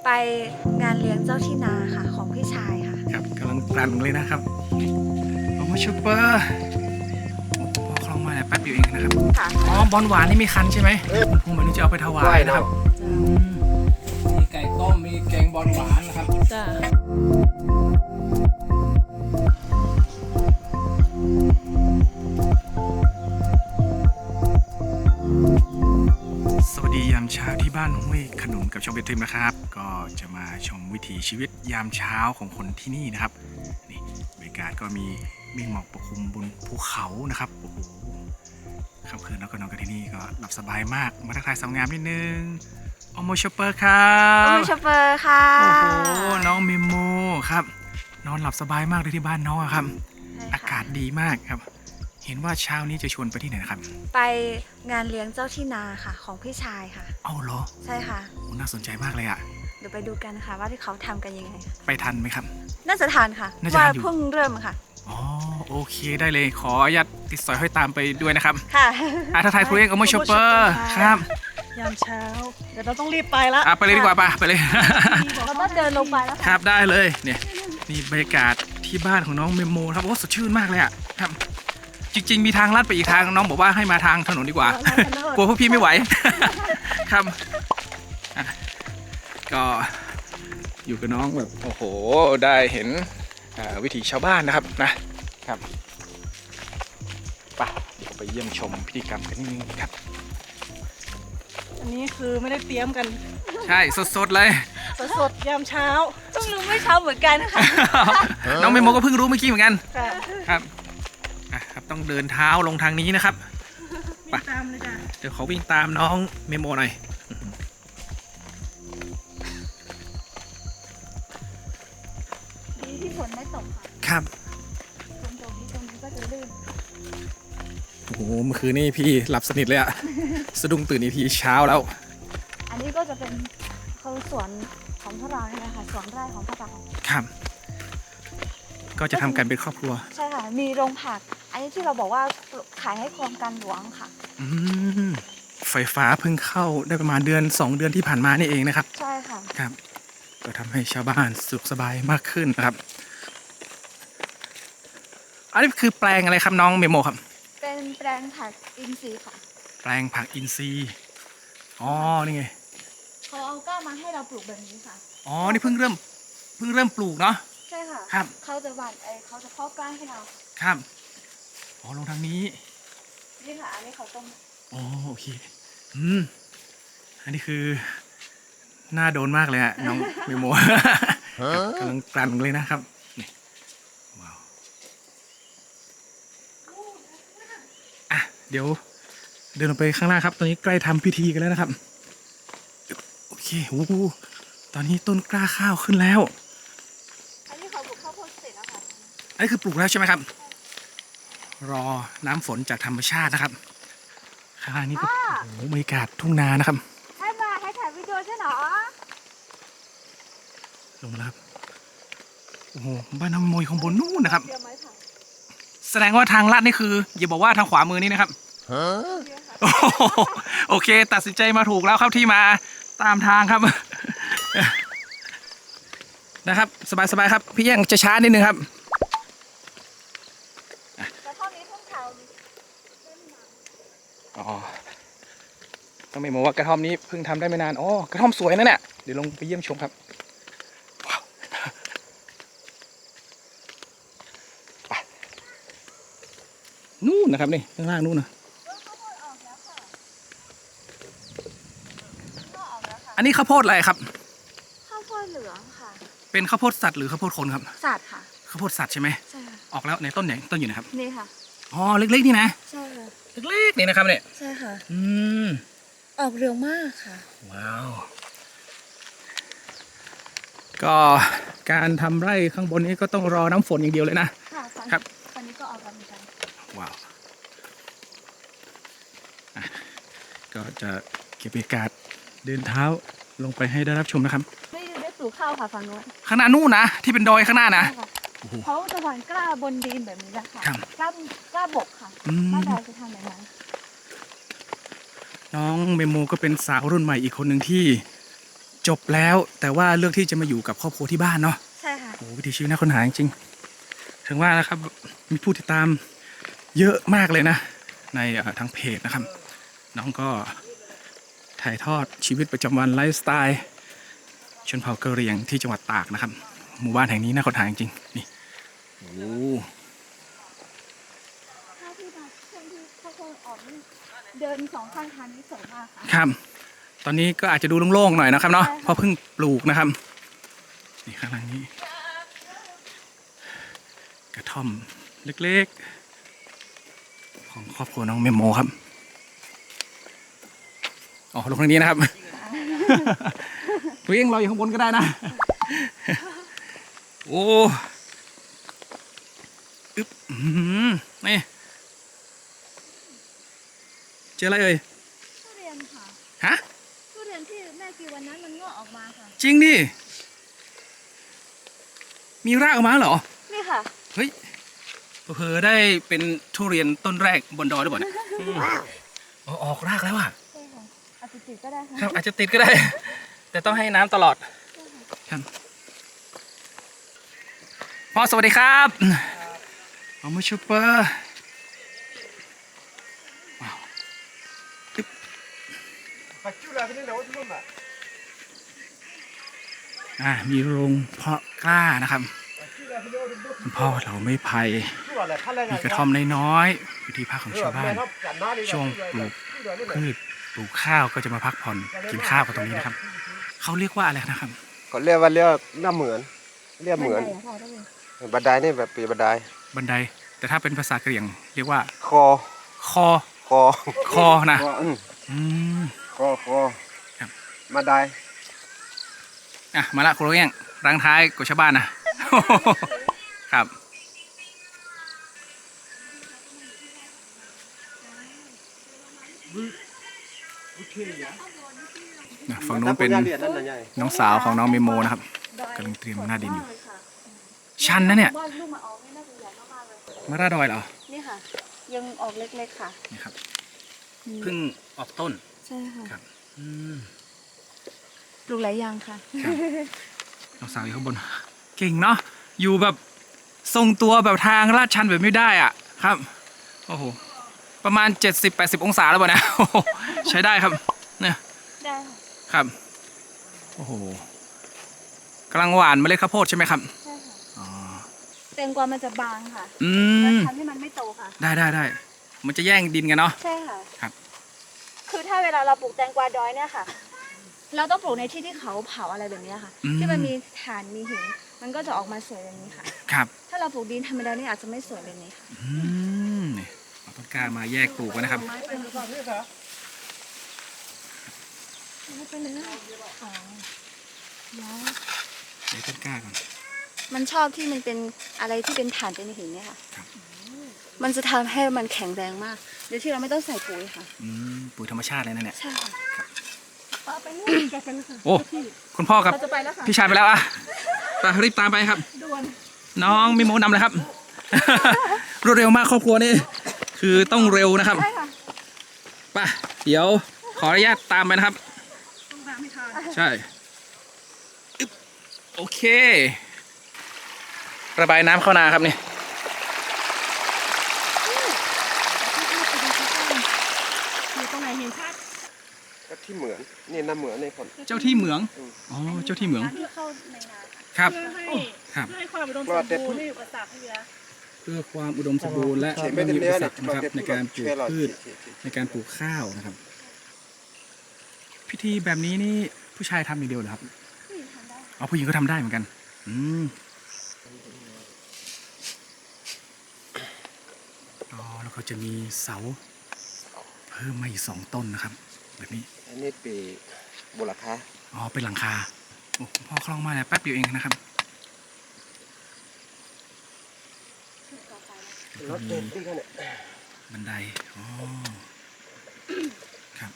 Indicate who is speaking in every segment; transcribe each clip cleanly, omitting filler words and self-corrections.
Speaker 1: ไปงานเลี้ยงเจ้าที่นาค่ะของพี่ชายค่ะ
Speaker 2: ครับกำลังกลั่นเลยนะครับโอ้มาชูเปอร์พอคลองมาเนี่ยแป๊บเดียวเองนะครับอ๋อบอลหวานนี่มีคันใช่ไหมคุณภูมิวันนี้จะเอาไปถวายนะครับมีไก่ต้มมีแกงบอลหวานนะครับ
Speaker 1: จ้า
Speaker 2: สวัสดียามเช้าที่บ้านห้วยขนุนกับช่องเบทริมนะครับก็จะมาชมวิถีชีวิตยามเช้าของคนที่นี่นะครับนี่บรรยากาศก็มีเมฆหมอกปกคลุมบนภูเขานะครับโอ้โหค่ำคืนแล้วก็นอนกันที่นี่ก็หลับสบายมากมาทักทายสาวงามนิดนึงโอโมชเปอร์ครับ
Speaker 1: โอ้ชอปเปอร์ค่ะ
Speaker 2: โอ้โหน้องเมโมครับนอนหลับสบายมากเลยที่บ้านน้องครับอากาศดีมากครับเห็นว่าเช้านี้จะชวนไปที่ไหนนะครับ
Speaker 1: ไปงานเลี้ยงเจ้าที่นาค่ะของพี่ชายค่ะ
Speaker 2: เอาเหรอ
Speaker 1: ใช่ค่ะ
Speaker 2: โอ้น่าสนใจมากเลยอะ
Speaker 1: เดี๋ยวไปดูกันค่ะว่าที่เขาทำกันยังไง
Speaker 2: ไปทันไหมครับ
Speaker 1: น่าจะทานค่ะว่าเพิ่งเริ่มค่ะ
Speaker 2: อ๋อโอเคได้เลยขออนุญาตติดสอยห้อยตามไปด้วยนะครับ
Speaker 1: ค่ะ
Speaker 2: ทักทายครูเองโอโมชเปอร์ครับ
Speaker 3: ยามเช้าเดี๋ยวเราต้องรีบไปแล้ว
Speaker 2: ไปเลยดีกว่าไปเลย
Speaker 1: เราต้องเดินลงไปแล้ว
Speaker 2: ครับได้เลยเนี่ยนี่บรรยากาศที่บ้านของน้องเมโมครับโอ้สดชื่นมากเลยอะครับจริงๆมีทางลัดไปอีกทางน้องบอกว่าให้มาทางถนนดีกว่ากลัวพวกพี่ไม่ไหวครับก็อยู่กับน้องแบบโอ้โหได้เห็นวิถีชาวบ้านนะครับเดี๋ยวไปเยี่ยมชมพิธีกรรมกันนิดนึงครับ
Speaker 3: อันนี้คือไม่ได้เตรียมกัน
Speaker 2: ใช่สดๆเลย
Speaker 3: สดยามเช้า
Speaker 1: เพิ่งรู้ไม่เช้าเหมือนกันค่ะ
Speaker 2: น้องเมโมก็เพิ่งรู้เมื่อกี้เหมือนกัน
Speaker 3: ครับ
Speaker 2: ครับต้องเดินเท้าลงทางนี้นะครับ
Speaker 3: วิ่งตามเลยจ้ะ
Speaker 2: เดี๋ยวขอวิ่งตามน้องเมโมหน่อย
Speaker 1: ดีที่ฝนไม่ตกค่ะ
Speaker 2: ครับ
Speaker 1: ตรงนี้ก็จะลื่น
Speaker 2: โอ้โหเมื่อคืนนี่พี่หลับสนิทเลยอะสะดุ้งตื่นอีกทีเช้าแล้ว
Speaker 1: อันนี้ก็จะเป็นเขาสวนของพวกเราเนี่ยนะคะสวนไร่ของพวกเรา
Speaker 2: ครับก็จะทำกันเป็นครอบครัว
Speaker 1: ใช่ค่ะมีโรงผักอันนี้ที่เราบอกว่าขายให้โครงการหลวงค่ะ
Speaker 2: ไฟฟ้าเพิ่งเข้าได้ประมาณ2 เดือนที่ผ่านมานี่เองนะครับ
Speaker 1: ใช่ค่ะ
Speaker 2: ครับก็ทำให้ชาวบ้านสุขสบายมากขึ้นนะครับอันนี้คือแปลงอะไรครับน้องเมโมครับ
Speaker 1: เป็นแปลงผักอินทรีย์ค่ะ
Speaker 2: แปลงผักอินทรีย์อ๋อนี่ไง
Speaker 1: เขาเอาก้ามาให้เราปลูกแบบนี้ค่ะ
Speaker 2: อ๋อนี่เพิ่งเริ่มปลูกเนาะ
Speaker 1: ใช่ค่ะ
Speaker 2: ครับ
Speaker 1: เขาจะหว่านเขาจะเพาะกล้าให้เรา
Speaker 2: ครับอ๋อลงทางนี้
Speaker 1: นี่ค่ะอันนี้เขาต้ม
Speaker 2: อ๋อโอเคอันนี้คือน่าโดนมากเลยอะน้องเมโมกำลังกลั่นเลยนะครับนี่ว้าวเดี๋ยวเดินลงไปข้างล่างครับตอนนี้ใกล้ทำพิธีกันแล้วนะครับโอเคโอ้โหตอนนี้ต้นกล้าข้าวขึ้นแล้ว
Speaker 1: อันนี้เขาปลูกข้าวโพดเสร็จแล้วค่ะ
Speaker 2: อันนี้คือปลูกแล้วใช่ไหมครับรอน้ำฝนจากธรรมชาตินะครับข้างล่างนี้ก็โอ้โหบรรยากาศทุ่งนานะครับ
Speaker 1: ให้ถ่ายวิดีโอใช่เหรอ
Speaker 2: ลงมาแล้วครับโอ้โหบ้านน้องโมยของบนนู่นนะครับแสดงว่าทางลาดนี่คืออย่าบอกว่าทางขวามือนี่นะครับโอเคตัดสินใจมาถูกแล้วครับที่มาตามทางครับนะครับสบายครับพี่แย่งจะช้านิดนึงครับ
Speaker 1: แต่เท่านี้เพิ่งทำ
Speaker 2: อ๋อต้องไม่บอกว่ากระท่อมนี้เพิ่งทำได้ไม่นานอ๋อกระท่อมสวยนะเนี่ยเดี๋ยวลงไปเยี่ยมชมครับว้าวนู่นนะครับนี่ข้างล่างนู่นนะอันนี้ข้าวโพดอะไรครับ
Speaker 1: ข้าวโพดเหลืองค่ะ
Speaker 2: เป็นข้าวโพดสัตว์หรือข้าวโพดคนครับ
Speaker 1: สัตว์ค่ะ
Speaker 2: ข้าวโพดสัตว์ใช่ไหม
Speaker 1: ใช่
Speaker 2: ออกแล้วในต้นไหนต้นอยู่นะครับ
Speaker 1: นี่ค่ะ
Speaker 2: อ๋อเล็กๆนี่นะ
Speaker 1: ใช่ค่ะ
Speaker 2: เล็กๆนี่นะครับเนี่ย
Speaker 1: ใช่ค่ะออกเร็วมากค่ะ
Speaker 2: ว้าวก็การทำไร่ข้างบนนี้ก็ต้องรอน้ำฝนอย่างเดียวเลยนะ
Speaker 1: ค่ะ
Speaker 2: ครับ
Speaker 1: ตอนนี้ก็ออกกันเหมือนกัน
Speaker 2: ว้าวก็จะเก็บบรรยากาศเดินเท้าลงไปให้ได้รับชมนะครับ
Speaker 1: ได้ปลูกข้าวค่ะฝั่งโน้น
Speaker 2: ข้างหน้านู่นนะที่เป็นดอยข้างหน้านะ
Speaker 1: เขาจะหว่านกล้าบนดินแบบนี้แหละค่ะกล้าบกค่ะกล้าดอยจะทำแบบนั้น
Speaker 2: น้องเมโมก็เป็นสาวรุ่นใหม่อีกคนหนึ่งที่จบแล้วแต่ว่าเลือกที่จะมาอยู่กับครอบครัวที่บ้านเนาะ
Speaker 1: ใช่ค่ะ
Speaker 2: โอ้วิถีชีวิตน่าค้นหาจริงๆถึงว่านะครับมีผู้ติดตามเยอะมากเลยนะในทางเพจนะครับน้องก็ถ่ายทอดชีวิตประจำวันไลฟ์สไตล์ชนเผ่ากะเหรี่ยงที่จังหวัดตากนะครับหมู่บ้านแห่งนี้น่าค้นหาจริงๆนี่โอ้
Speaker 1: ถ้าที่มาช่วงที่เขาคงออกนี่เดินสองข้างทางนี้สวยมากค่ะ
Speaker 2: ครับตอนนี้ก็อาจจะดูโล่งๆหน่อยนะครับเนาะ
Speaker 1: ใช่ค่ะ
Speaker 2: เพราะเพิ่งปลูกนะครับนี่ข้างหลังนี้กระท่อมเล็กๆของครอบครัวน้องเมโมครับอ๋อลงทางนี้นะครับ ตัวเองเราอยู่ข้างบนก็ได้นะ โอ้อึ๊บนี่เจออะไรเอ่ย
Speaker 1: ทุเรียนค่ะ
Speaker 2: ฮะ
Speaker 1: ทุเรียนที่แม่กินวันนั้นมันงอกออกมาค่ะ
Speaker 2: จริงดิมีรากออกมาเหรอ
Speaker 1: นี่ค่ะ
Speaker 2: เฮ้ยเผลอๆได้เป็นทุเรียนต้นแรกบนดอยหรือเปล่าเนี่ยอ๋อออกรากแล้วอ่ะ
Speaker 1: ใช่ค่ะอาจจะติดก็ได้ค่ะ
Speaker 2: ครับอาจจะติดก็ได้ แต่ต้องให้น้ำตลอดครับพ่อสวัสดีครับเอามาชูเปอร์ว้าวอึ๊บมีโรงเพาะกล้านะครับคุณพ่อเราไม่ไผ่มีกระท่อมน้อยๆอยู่ที่พักของชาวบ้านช่วงปลูกพืชปลูกข้าวก็จะมาพักผ่อนกินข้าวกันตรงนี้นะครับเขาเรียกว่าอะไรนะครับ
Speaker 4: เขาเรียกว่าหน้าเหมือนเรียกเหมือน
Speaker 1: พ่อได้เลย
Speaker 4: บันไดนี่แบบปีบันได
Speaker 2: บันไดแต่ถ้าเป็นภาษากะเหรี่ยงเรียกว่า
Speaker 4: คอ
Speaker 2: คอ
Speaker 4: คอ
Speaker 2: คอนะ
Speaker 4: คอ
Speaker 2: อืม
Speaker 4: คอ
Speaker 2: ครับ
Speaker 4: บันได
Speaker 2: อ่ะมาละคุณโรเองรังท้ายกว่าชาวบ้านนะ ครับฝั่งโน้นเป็นน้องสาวของน้องเมโมนะครับกำลังเตรียมหน้าดินอยู่ชันนะเนี่ย
Speaker 1: ว่าลูกมาออกนี่น่าจะใหญ่มากๆเลย
Speaker 2: มาราดอยเหรอ
Speaker 1: นี่ค่ะ ยังออกเล็กๆค่ะ
Speaker 2: นี่ครับเพิ่งออกต้น
Speaker 1: ใช่ค่ะ
Speaker 2: ครับอืม
Speaker 1: ปลูกหลายอย่างค่ะ
Speaker 2: ครับน้องสาวอยู่ข้างบนเก่งเนาะอยู่แบบทรงตัวแบบทางลาดชันแบบไม่ได้อ่ะครับโอ้โหประมาณ 70-80 องศาแล้วป่ะนะ โอ้โหใช้ได้ครับเนี่ย
Speaker 1: ได้ค่ะ
Speaker 2: ครับโอ้โหกำลังหวานเมล็ดข้าวโพดใช่ไหมครับ
Speaker 1: ใช่ค่ะ
Speaker 2: อ๋อ
Speaker 1: แตงกวามันจะบางค่ะ
Speaker 2: อื
Speaker 1: แล้ว
Speaker 2: ม
Speaker 1: ทำให้มันไม่โตค่ะ
Speaker 2: ได้มันจะแย่งดินกันเนาะ
Speaker 1: ใช่ค่ะ
Speaker 2: ครับ
Speaker 1: คือถ้าเวลาเราปลูกแตงกวาดอยเนี่ยค่ะ เราต้องปลูกในที่ที่เขาเผาอะไรแบบนี้ค่ะ ที่มันมีถ่านมีหิน มันก็จะออกมาสวยแบบนี้ค่ะ
Speaker 2: ครับ
Speaker 1: ถ้าเราปลูกดินธรรมดานี่อาจจะไม่สวยแบบนี้ค่ะ
Speaker 2: อืมนี่เอาต้นกล้ามาแยกปลูกกันนะครับ
Speaker 1: ไม่เป็นไรอ๋อแล้ว
Speaker 2: แยกต้นกล้าก่อน
Speaker 1: มันชอบที่มันเป็นอะไรที่เป็นถ่านเป็นหินเนี่ยค่ะ
Speaker 2: ครับ
Speaker 1: มันจะทำให้มันแข็งแรงมากโดยที่เราไม่ต้องใส่ปุ๋ยค่ะ
Speaker 2: ปุ๋ยธรรมชาติเลยนะเนี่ย
Speaker 1: ใช่ค่ะไปนู่นแกกันค่ะ
Speaker 2: โอ้คุณพ่อกับ
Speaker 1: เราจะไปแล้วค่ะ
Speaker 2: พี่ชายไปแล้วอ่ะไปรีบตามไปครับ
Speaker 1: ด่วน
Speaker 2: น้องมีโมนำเลยครับ รวดเร็วมากครอบครัวนี่คือต้องเร็วนะครับ
Speaker 1: ใช่ค่ะ
Speaker 2: ป่ะเดี๋ยวขออนุญาตตามไปนะครับ
Speaker 1: ต้องตามให้ทัน
Speaker 2: ใช่อึ๊บโอเค ระบายน้ำเข้านาครับนี่
Speaker 1: อยู่ตรงไหนเห็นชัด
Speaker 4: ก็ที่เหมือนนี่หน้าเหมือนในคน
Speaker 2: เจ้าที่เหมืองอ๋อเจ้าที่เหมือง
Speaker 1: ที่เข้าในนา
Speaker 2: ครับ
Speaker 3: เพื่อให้
Speaker 2: ครับ
Speaker 3: เพื่อให้ความอุดมสมบูรณ์ไม่มีอุปสรรคให้เยอะ
Speaker 2: เพื่อความอุดมสมบูรณ์และ
Speaker 4: เขียน
Speaker 2: ไม่
Speaker 4: ไม่
Speaker 2: มี
Speaker 4: ได้
Speaker 2: อุป
Speaker 4: เนื้อ
Speaker 2: สรรคนะครับในการปลูกพืช
Speaker 4: เ
Speaker 2: ในการปลูกข้าวนะครับ พิธีแบบนี้นี่ผู้ชายทำอย่างเดียวเหรอครับ
Speaker 1: ผู้หญิงทำได้
Speaker 2: อ๋อผู้หญิงก็ทำได้เหมือนกันอ๋อแล้วก็จะมีเสาเพิ่มมาอีก2 ต้นนะครับ แบบนี้
Speaker 4: อันนี้ปีบุรคา
Speaker 2: อ๋อเป็นหลังคาโอ้คุณพ่อคล่องมากเลยแป๊บเดียวเองนะครับ
Speaker 4: รถเด็ดที่เนี่ย
Speaker 2: บันไดอ๋อครับ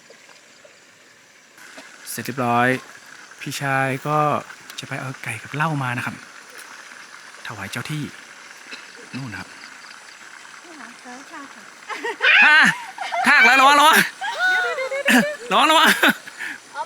Speaker 2: เสร็จเรียบร้อย พี่ชายก็จะไปเอาไก่กับเหล้ามานะครับ ถวายเจ้าที่นู่นนะครับ
Speaker 1: นี่ค่ะแล้วค่ะค่ะ
Speaker 2: ทากแล้วระวังระวัง
Speaker 1: เอามาอยู่ข้างใน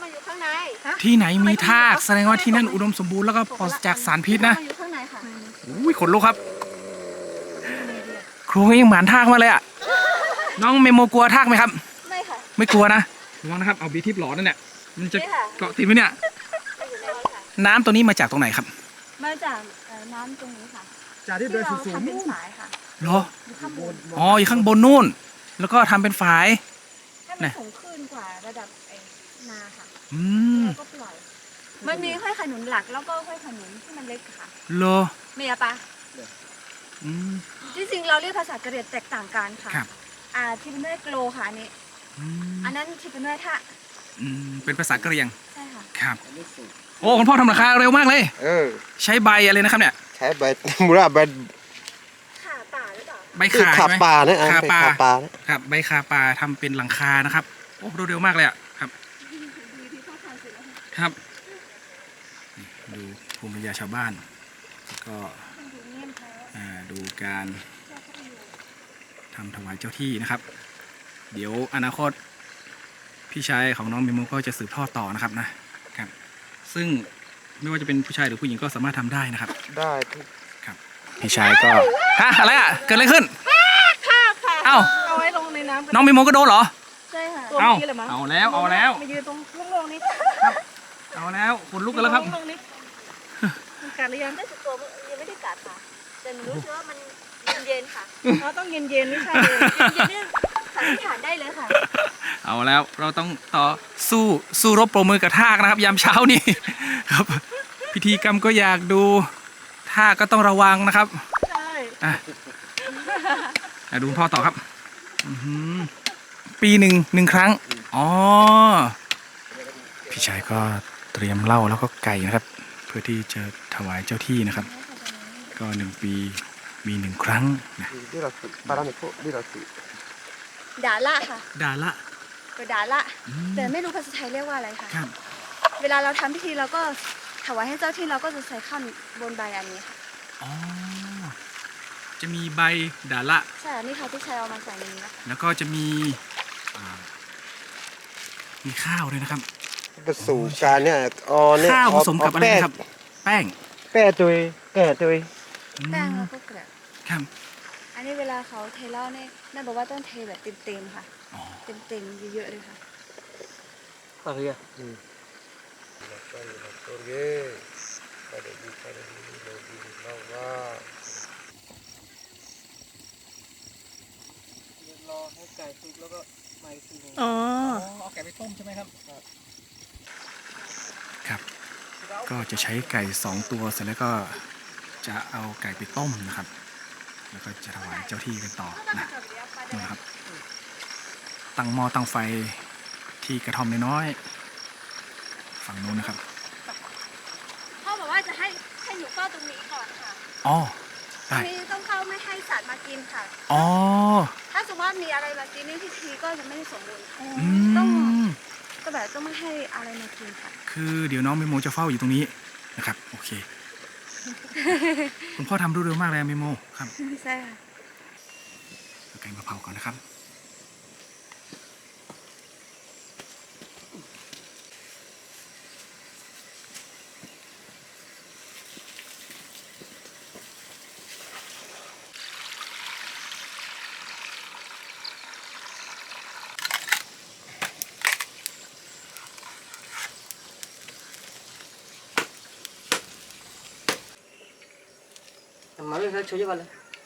Speaker 1: ใน
Speaker 2: ที่ไหนมีทากแสดงว่าที่นั่นอุดมสมบูรณ์แล้วก็ปราศจากสารพิษนะ
Speaker 1: อยู่ข้างในค่ะ
Speaker 2: อุ้ยขนลุกครับครูยังหมานทากมาเลยอ่ะน้องเมโมกลัวทากไหมครับ
Speaker 1: ไม่ค่ะ
Speaker 2: ไม่กลัวนะระวังนะครับเอาบีทิพย์หลอนนั่นเนี่ยมันจะ
Speaker 1: นี่ค่ะ
Speaker 2: เกาะติดไหมเนี่ย
Speaker 1: อยู่ในนี้ค่ะ
Speaker 2: น้ำตัวนี้มาจากตรงไหนครับ
Speaker 1: มาจากน้ำตรงนี้ค่ะ
Speaker 3: จากที่
Speaker 1: ที่
Speaker 3: เดิน
Speaker 1: เรา
Speaker 3: สูง
Speaker 1: ทำเป็นฝายค่ะ
Speaker 2: เหรอ
Speaker 1: อยู่ข้างบน
Speaker 2: อ๋ออยู่ข้างบนนู่น แล้วก็ทำเป็นฝาย
Speaker 1: ให้มันสูงขึ้นกว่าระดับนาค่ะ
Speaker 2: อืม
Speaker 1: แล้วก็ปล่อย มันมีห้อยขนุนหลักแล้วก็ห้อยขนุนที่มันเล็กค่ะ
Speaker 2: เหรอ
Speaker 1: เมียปะ
Speaker 2: อืม
Speaker 1: ที่จริงเราเรียกภาษากะเหรี่ยงแตกต่างกันค่ะ
Speaker 2: ครับ
Speaker 1: ที่เป็นด้วยโกลค่ะอันนี้
Speaker 2: อืม
Speaker 1: อันนั้นที่เป็นด้วยท่า
Speaker 2: เป็นภาษากะเหรี่ยง
Speaker 1: ใช่ค่ะ
Speaker 2: ครับ โอ้คุณพ่อทำราคาเร็วมากเลย
Speaker 4: เออ
Speaker 2: ใช้ใบอะไรนะครับเนี่ย
Speaker 4: ใช้ใบ มูราใบ
Speaker 1: ขาป่าหรือเปล่า
Speaker 2: ใบ
Speaker 4: ที่
Speaker 2: ขา
Speaker 4: ขา
Speaker 2: ใช่ไหม
Speaker 4: ปลาเนี่ย
Speaker 2: ขาปลา
Speaker 4: ขาปลาเนี่ย
Speaker 2: ครับใบขาปลาทำเป็นหลังคานะครับโอ้เร็วมากเลยอ่ะครับ
Speaker 1: ดูที่พ่อทำเสร็จแล้วค่ะ
Speaker 2: ครับนี่ดูภูมิปัญญาชาวบ้านแล้วก็
Speaker 1: มันดูเงียบแท้
Speaker 2: ดูการทำถวายเจ้าที่นะครับ เดี๋ยวอนาคตพี่ชายของน้องเมโมก็จะสืบทอดต่อนะครับ ซึ่งไม่ว่าจะเป็นผู้ชายหรือผู้หญิงก็สามารถทำได้นะครับ
Speaker 4: ได้ทุก
Speaker 2: ครับพี่ชายก็ฮะอะไรอ่ะเกิดอะไรขึ้นเอ้า
Speaker 3: เอาไว้ลงในน้ำกัน
Speaker 2: น้องเมโมก็โดนเหรอ
Speaker 1: ใช่ค่ะ
Speaker 3: ตัว
Speaker 2: เอ้า
Speaker 3: นี้เลยมั้ง
Speaker 2: เอาแล้วเอาแล้ว
Speaker 3: มายืนตรงลงนี้
Speaker 2: เอาแล้วขนลุกกันแล้วครับ
Speaker 3: ลงนี้มันกัดหรือยัง
Speaker 1: ได้สึกตัวยังไม่ได้กัดค่ะ แต่หนูรู้สึกว่ามันเย็นๆค่ะ
Speaker 3: เราต้องเย็นๆไม่ใช่เลย
Speaker 1: เย็นๆนี่สันนิษฐานได้เลยค่ะ
Speaker 2: เอาแล้วเราต้องต่อสู้รบปรบมือกับทากนะครับ ยามเช้านี้ ครับ พิธีกรรมก็อยากดูทากก็ต้องระวังนะครับ
Speaker 3: ใช่
Speaker 2: อ่ะดูคุณพ่อต่อครับปีหนึ่งครั้งอ๋อพี่ชายก็เตรียมเหล้าแล้วก็ไก่นะครับ เพื่อที่จะถวายเจ้าที่นะครับ ก็1 ปีมี1 ครั้งนะ
Speaker 4: ที่เราสิปลาเนี่ยพวกที่เราสิ
Speaker 1: ดาละค่ะ
Speaker 2: ดาละ
Speaker 1: ก็ดาละ แต่ไม่รู้ภาษาไทยเรียกว่าอะไรค่ะ
Speaker 2: ครับ
Speaker 1: เวลาเราทำพิธีเราก็ถวายให้เจ้าที่เราก็จะใส่ข้าวบนใบอันนี้ค่ะ
Speaker 2: อ๋อจะมีใบดาละ
Speaker 1: ใช่อันนี่ค่ะที่ใช้เอามาใส่ในนี้นะคะ
Speaker 2: แล้วก็จะมีข้าวด้วยนะครับ
Speaker 4: เป็นสู่การเนี่ยอ๋อเนี่ย
Speaker 2: ข้าวผสมกับอะไรนะครับ แป้ง
Speaker 4: แป้ตุยแก่ตุย
Speaker 1: แป้งแล้วก็เกลือ
Speaker 2: ครับ
Speaker 1: อันนี้เวลาเขาเทเหล้าเนี่ยแม่บอกว่าต้องเทแบบเต็มๆค่ะ
Speaker 2: อ๋อ
Speaker 1: เต็มๆเยอะๆเลยค่ะ
Speaker 3: ปลาเรือ
Speaker 4: รอให้ไก่สุกแล้วก็มาอีกทีนึง
Speaker 3: อ๋อ
Speaker 2: เอาไก่ไปต้มใช่ไหมครับครับ ก็จะใช้ไก่2 ตัวเสร็จแล้วก็จะเอาไก่ไปต้มนะครับ แล้วก็จะถวายเจ้าที่กันต่อนะครับ ตั้งหม้อตั้งไฟที่กระท่อมน้อยๆฝั่งนู้นนะครับ
Speaker 1: พ่อบอกว่าจะให้หนูเฝ้าตรงนี้ก่อนค่ะ
Speaker 2: อ๋อ
Speaker 1: ตร
Speaker 2: ได้
Speaker 1: งนี้ต้องเฝ้าไม่ให้สัตว์มากินค่ะ
Speaker 2: อ๋อ
Speaker 1: ถ้าสมมติว่ามีอะไรมากินนี่พิธีก็จะไม่ได้สมบูรณ์ค่ะ
Speaker 2: อื
Speaker 1: ต้อง
Speaker 2: ม
Speaker 1: ก็แบบต้องไม่ให้อะไรมากินค่ะ
Speaker 2: คือเดี๋ยวน้องเมโมจะเฝ้าอยู่ตรงนี้นะครับโอเค คุณพ่อทำรวดเร็วมากเลยเมโมครับ
Speaker 1: ใช่ค่ะ
Speaker 2: เอาไก่มาเผาก่อนนะครับ
Speaker 3: มาเลยช่วยกันเลย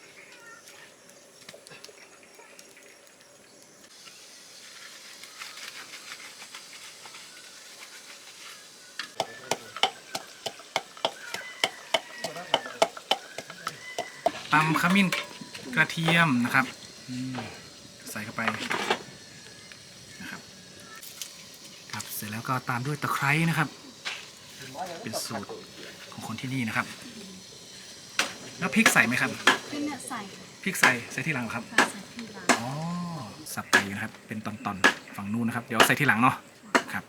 Speaker 2: ตำขมิ้นกระเทียมนะครับใส่เข้าไปนะครับครับเสร็จแล้วก็ตามด้วยตะไคร้นะครับ เป็นสูตรของคนที่นี่นะครับ แล้วพริกใส่ไหมครับ
Speaker 1: พี่เนี่ยใส่
Speaker 2: พริกใส่ที่หลังเหรอครับ
Speaker 1: ใส่ที่ร้าน
Speaker 2: อ๋อสับไปอยู่นะครับ เป็นตอนๆฝั่งนู้นนะครับ เดี๋ยวใส่ที่หลังเนาะครับ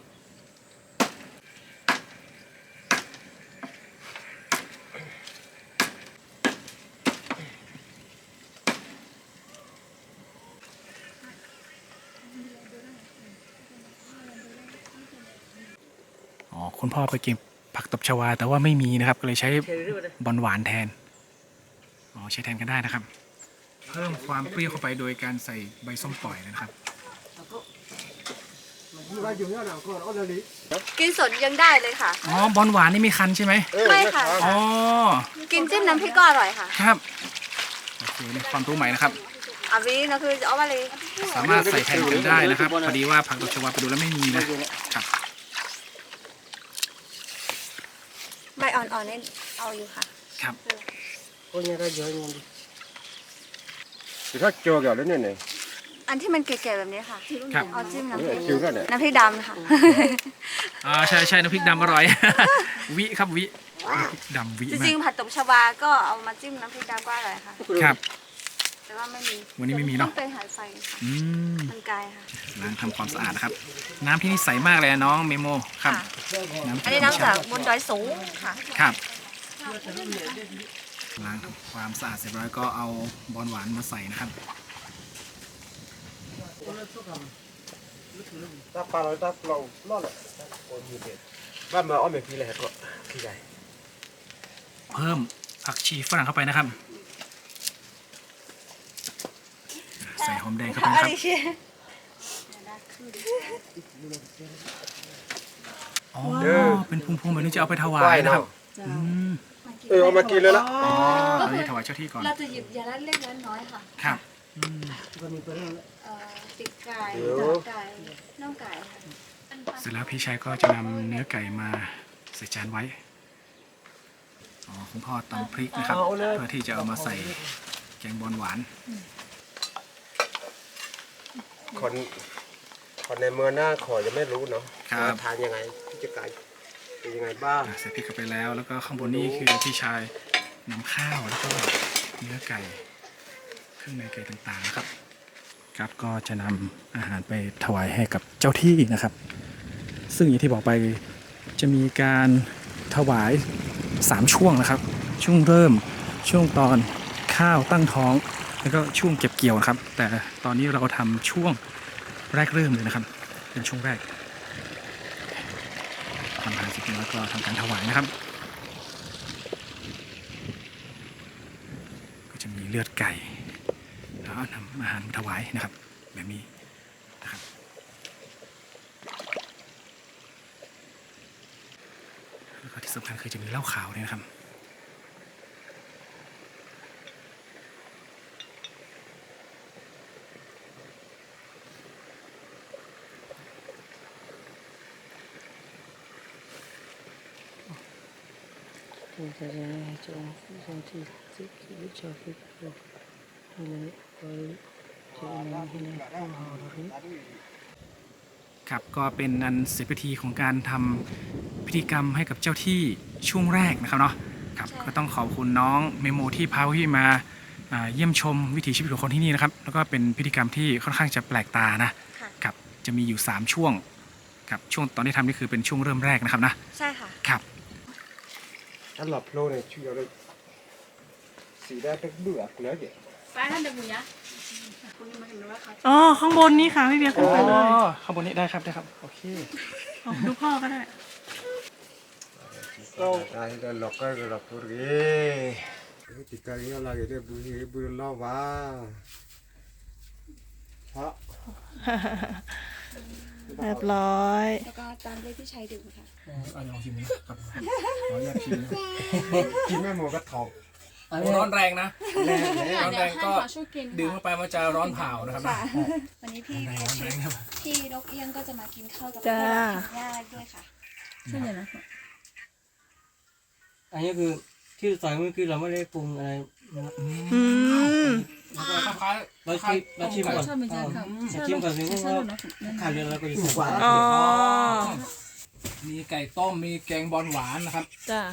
Speaker 2: คุณพ่อไปเก็บผักตบชวาแต่ว่าไม่มีนะครับ ก็เลยใช้บอลหวานแทนอ๋อใช้แทนกันได้นะครับ เพิ่มความเปรี้ยวเข้าไปโดยการใส่ใบส้มปล่อยนะครับ
Speaker 1: กินสดยังได้เลยค่ะ
Speaker 2: อ๋อบอลหวานนี่มีคันใช่ไหม
Speaker 1: ไม่ค่ะ
Speaker 2: อ๋อ
Speaker 1: กินจิ้มน้ำพริกก็อร่อยค่ะ
Speaker 2: ครับโอเคนี่ความรู้ใหม่นะครับ
Speaker 1: อาวินะคือเอามาเลย
Speaker 2: สามารถใส่แทนกันได้นะครับพอดีว่าผักตบชวาไปดูแล้วไม่มีนะครับ
Speaker 1: ใบอ่อนๆนี่เอาอยู่ค่ะ
Speaker 2: ครับ
Speaker 4: Cô nhà ra dưới nha đi. Thì khác cho kiểu đấy này.
Speaker 1: อันที่มันเก๋ๆแบบนี้ค่ะ
Speaker 2: ครับ
Speaker 1: เอาจิ้มน้ำพ
Speaker 4: Đấy
Speaker 1: ริ
Speaker 4: là
Speaker 1: ก
Speaker 4: chiều ra này.
Speaker 1: น้ำพริกดำค่ะ
Speaker 2: ใช่น้ำพริกดำอร่อย วิครับวิน้ำพริกดำวิ
Speaker 1: จ
Speaker 2: มา
Speaker 1: ริง
Speaker 2: ก
Speaker 1: ๆผัดตบชวาก็เอามาจิ้มน้ำพริกดำก็อร่อยค่ะ
Speaker 2: ครับ
Speaker 1: แต่ว่าไม่มี
Speaker 2: วันนี้ไม่มี
Speaker 1: ต้
Speaker 2: เนาะ
Speaker 1: องไปหาไฟค่ะ
Speaker 2: อืม
Speaker 1: มันไกลค่ะ
Speaker 2: ล้างทำความสะอาดนะครับ น้ำที่นี่ใสมากเลยน้องเมโมครับ
Speaker 1: ค่ะ อันนี้น้ำจากบนดอยสูงค่ะ
Speaker 2: ครับล้างทำความสะอาดเสร็จแล้วก็เอาบอลหวานมาใส่นะครับ
Speaker 4: Ta pa rồi ta lâu lo lại. Ôi như thế. Ba mà ôm về phi này có phi này.
Speaker 2: เพิ่มผักชีฝรั่งเข้าไปนะครับ ใส่หอมแดงเข้าไปนะครับ อ๋อ เป็นพุงๆแบบนี้จะเอาไปถวาย
Speaker 4: Quay
Speaker 2: นะครับ
Speaker 4: nào.
Speaker 2: อืม
Speaker 4: เอามากินเลยละ
Speaker 2: อ๋อตอนนี้ถวายเจ้าที่ก่อน
Speaker 1: เราจะหยิบยาละเล็กละน้อยค่ะ
Speaker 2: ครับอืม
Speaker 1: ปีกไก่
Speaker 4: เดี๋ยว
Speaker 1: ตับไก่น่องไก่ค่ะ
Speaker 2: เสร็จแล้วพี่ชายก็จะนำเนื้อไก่มาใส่จานไว้ อ๋อคุณพ่อตำพริกนะครับ เพื่อที่จะเอามาใส่แกงบอลหวาน
Speaker 4: คนในเมืองหน้าขอจะไม่รู้เนาะ
Speaker 2: ครับ
Speaker 4: ทานยังไงที่จะไก่เป็นยังไงบ้าง
Speaker 2: ใส่พริกเข้าไปแล้ว แล้วก็ข้างบนนี้คือพี่ชายนำข้าวแล้วก็เนื้อไก่เครื่องในไก่ต่างๆนะครับ ครับก็จะนำอาหารไปถวายให้กับเจ้าที่นะครับ ซึ่งอย่างที่บอกไปจะมีการถวาย3ช่วงนะครับ ช่วงเริ่มช่วงตอนข้าวตั้งท้อง แล้วก็ช่วงเก็บเกี่ยวนะครับ แต่ตอนนี้เราทำช่วงแรกเริ่มเลยนะครับ เป็นช่วงแรกทำอาหารเสร็จแล้วก็ทำการถวายนะครับ ก็จะมีเลือดไก่แล้วนำอาหารมาถวายนะครับ แบบนี้นะครับ แล้วก็ที่สำคัญคือจะมีเหล้าขาวด้วยนะครับ ครับก็เป็นอันเสร็จพิธีของการทำพิธีกรรมให้กับเจ้าที่ช่วงแรกนะครับเนาะครับ
Speaker 1: ใช่
Speaker 2: ก็ต้องขอบคุณน้องเมโมที่พาพี่มาเยี่ยมชมวิถีชีวิตของคนที่นี่นะครับ แล้วก็เป็นพิธีกรรมที่ค่อนข้างจะแปลกตานะ
Speaker 1: ค่ะ
Speaker 2: ครับจะมีอยู่3ช่วงครับช่วงตอนที่ทำนี่คือเป็นช่วงเริ่มแรกนะครับนะ
Speaker 1: ใช่ค่ะ
Speaker 2: ครับ
Speaker 4: อันหลับโลเนี่ยช่วยเราสีได้เป็นเบื่อแล้วเดี๋ยว
Speaker 3: อ๋อ ข้างบนนี่ค่ะพี่เบียร์ขึ้นไปเลย
Speaker 2: ข้างบนนี้ได้ครับโอเค
Speaker 3: อ๋อดูพ่อก็ได้
Speaker 4: ได้ได้หลอกก็หลอกตัวเองติดกันยังไงเดี๋ยวบุญเล่าว่าเพราะ
Speaker 3: เรียบร้อย
Speaker 1: แล้วก็ตามด้วยพี่ชายดื่มค่ะ
Speaker 2: ลองชิมนะครับขออนุญาตชิม
Speaker 4: กินแม่หมูกระถอก
Speaker 2: ร้อนแรงนะ
Speaker 4: แรงเลย
Speaker 2: ร้อนแรงก็ดื่มเข้าไปมันจะร้อนเผานะครับ
Speaker 1: ค่ะ วันนี้พี่
Speaker 2: ร้อนแรงครับ
Speaker 1: พี่นกเอี้ยงก็จะมากินข้าวกับ
Speaker 3: จ้า
Speaker 1: ย่าด้วยค่ะ
Speaker 3: ใช่ไหมนะ
Speaker 5: อันนี้คือที่ใส่เมื่อกี้เราไม่ได้ปรุงอะไรนะครับ
Speaker 3: อืม
Speaker 5: เราชิมก่อนชิมก่อนสิว่าขาดเดือนเราก็จะใส่
Speaker 3: อ๋อ
Speaker 2: มีไก่ต้มมีแกงบอลหวานนะครับ
Speaker 3: จ้า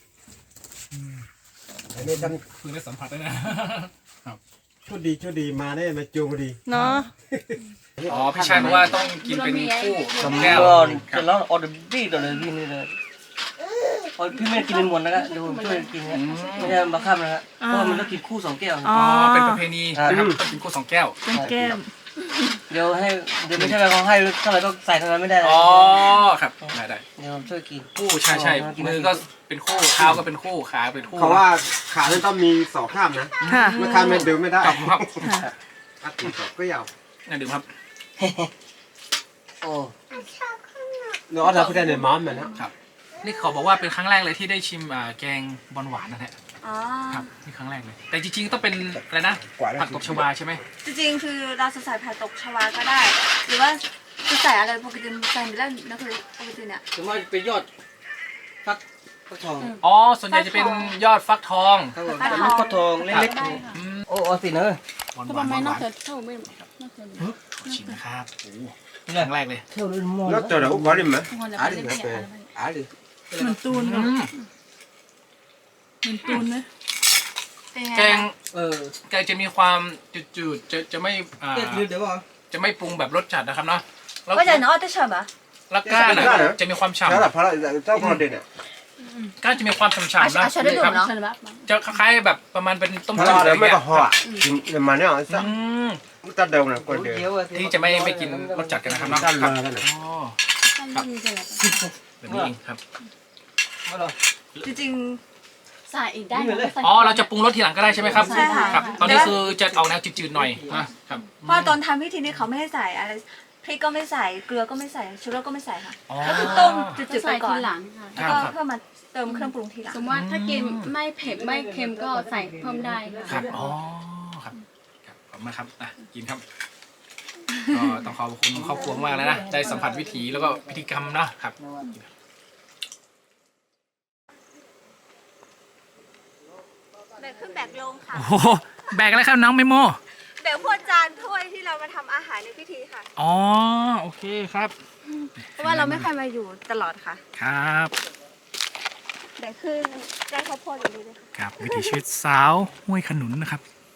Speaker 4: อันนี้ท่าน
Speaker 2: เพิ่งได้สัมผัสได้นะ
Speaker 4: โชคดีมาได้มาจูงพอดี
Speaker 3: เนาะ
Speaker 2: อ๋อพี่ชายบอกว่าต้องกินเป็นคู่สองแก้ว
Speaker 5: ก่อน
Speaker 2: ครั
Speaker 5: เสร็
Speaker 2: บ
Speaker 5: จแล้วออเดอร์บี้ต่อเลยพี่นี่เลยพอพี่ไม่กินเป็นหมดนะครับเดี๋ยวผมช่วยกินนะไม่ใช่บังคับนะครับเพราะว่ามันต้องกินคู่2 แก้ว
Speaker 3: อ๋อ
Speaker 2: เป็นประเพณีนะครับต้องกินคู่2 แก้ว
Speaker 3: เป็นแก้ม
Speaker 5: เดี๋ยวไม่ใช่ว่าเขาให้เท่าไหร่ก็ใส่เท่านั้นไม่ได้นะ
Speaker 2: อ๋อครับได้
Speaker 5: เดี๋ยวผมช่วยกิน
Speaker 2: คู่ใช่ใช่มือก็เป็นคู่เท้าก็เป็นคู่ขาเป็นคู่
Speaker 4: เขาว่าขาเนี่ยต้องมีสองข้ามนะ
Speaker 3: ค่ะ
Speaker 4: เมื่อข้ามไม่ดึงไม่ได้
Speaker 2: ครับครับ
Speaker 4: ถ้าตีสองก็ยาว
Speaker 2: น่าดื่มครับ
Speaker 5: โอ้
Speaker 4: เนาะถ้าพูดได้ในม้ามมันนะครับ
Speaker 2: นี่เขาบอกว่าเป็นครั้งแรกเลยที่ได้ชิมแกงบอลหวานนะฮะ
Speaker 1: อ๋อ
Speaker 2: ครับนี่ครั้งแรกเลย แต่จริงๆต้องเป็นอะไรนะผักตบชวาใช่ไหม
Speaker 1: จริงๆคือเราจะใส่ผักตบชวาก็ได้ หรือว่าจะใส่อะไรปกติใส่ไม่ได้นะคือปกติเนี่ย
Speaker 5: ส่วนมากเป็นยอดฟักทอง
Speaker 2: อ๋อส่วนใหญ่จะเป็นยอดฟักทอง
Speaker 5: ครับผม
Speaker 1: ฟักทอง
Speaker 5: ลูกฟักทองเล็ก
Speaker 1: ได้ค่ะ
Speaker 5: ๆโอ้สิเนอะ
Speaker 2: บอลห
Speaker 3: ทำ
Speaker 2: วาน
Speaker 3: ไม
Speaker 2: บอลห
Speaker 3: นอก
Speaker 2: วาน
Speaker 3: จากเท่าไม่นอกจาก
Speaker 2: ขอชิมนะครับโอ้โห
Speaker 5: นี่
Speaker 2: ครั้งแรกเลย
Speaker 5: เที่ยวเลยมอง
Speaker 4: แล้วเจอแล้วก็ริมไหม
Speaker 3: คนจะ
Speaker 4: อา
Speaker 3: ไป
Speaker 4: ดิ
Speaker 3: เล่น
Speaker 4: นะ
Speaker 3: เปีย
Speaker 4: เป็นอาดิ
Speaker 3: เหมือนตูน
Speaker 2: อื
Speaker 3: เนาะ
Speaker 2: ม
Speaker 3: เหมือนตูนไหม
Speaker 1: เป็นไง
Speaker 2: แกง
Speaker 5: เออ
Speaker 2: แกงจะมีความจืดๆจะไม่
Speaker 5: เดี๋ยวบอก
Speaker 2: จะไม่ปรุงแบบรสจัดนะครับเนาะแล้ว
Speaker 1: ว่าจะเนาะจะชอบอ่ะ
Speaker 2: แล้วก้านอะจะมีความฉ่ำ
Speaker 4: แล้วแต่พระเจ้าพระเด่นเนี่ย
Speaker 2: ก้านจะมีความฉ่ำๆนะ
Speaker 1: อ่ะใช้ได้ดู
Speaker 2: ครับ
Speaker 1: เนาะ
Speaker 3: ใช่ไหม
Speaker 2: จะคล้ายๆแบบประมาณเป็นต้ม
Speaker 4: พระ
Speaker 2: จืดอะไร
Speaker 4: เด่นไม่
Speaker 2: เงี้
Speaker 4: ก็
Speaker 2: ย
Speaker 4: ห่อกินมาเนี่ยสัก
Speaker 2: อืม
Speaker 4: ตัดเดิมนะคนเดียว
Speaker 5: เดี๋ยว
Speaker 2: ที่จะไม่กินรสจัดกันนะครับเนาะ
Speaker 4: ตัด
Speaker 2: ครั
Speaker 4: มา
Speaker 2: บ
Speaker 4: กันนะ
Speaker 2: อ๋อแบบนี้เองครับ
Speaker 5: มาหรอ
Speaker 1: จริง
Speaker 3: ใส่อีกได้นะ
Speaker 2: อ๋อเราจะปรุงรสทีหลังก็ได้ใช่ไหมครับ
Speaker 1: ใช่ค่ะ
Speaker 2: ครับ ตอนนี้คือจะออกแนวจืดๆหน่อยนะครับ
Speaker 1: ๆเพราะตอนทำพิธีนี้เขาไม่ให้ใส่อะไรพริกก็ไม่ใส่เกลือก็ไม่ใส่ชูรสก็ไม่ใส่ค่ะ
Speaker 2: อ๋อ
Speaker 1: ก็คือต้มจื
Speaker 3: จะ
Speaker 1: ดๆไป
Speaker 3: ใส่
Speaker 1: ก่อ
Speaker 3: ที
Speaker 1: น
Speaker 3: หลังค่ะ
Speaker 1: แล้วก็
Speaker 2: ครับ
Speaker 1: เพื่อมาเติมเครื่องปรุงทีหลัง
Speaker 3: สมมติว่าถ้ากินไม่เผ็ดไม่เค็มก็ใส่เพิ่มได้
Speaker 2: ครับอ๋อครับครับขอบคุณมากครับกินครับก็ต้องขอบคุณครอบครัวมากเลยนะได้สัมผัสวิถีแล้วก็พิธีกรรมเนาะครับ
Speaker 1: แบกขึ้นแบกลงค่ะ
Speaker 2: โอ้โหแบกอะไรครับน้องเมโม
Speaker 1: แบกพวกจานถ้วยที่เรามาทำอาหารในพิธีค่ะ
Speaker 2: อ๋อโอเคครับ
Speaker 1: เพราะว่าเราไม่ค่อยมาอยู่ตลอดค่ะ
Speaker 2: ครับ
Speaker 1: แบกขึ้นได้ข้าวโพดอย่างนี้เลยค่ะ
Speaker 2: ครับวิถีชีวิตสาวห้วยขนุนนะครับ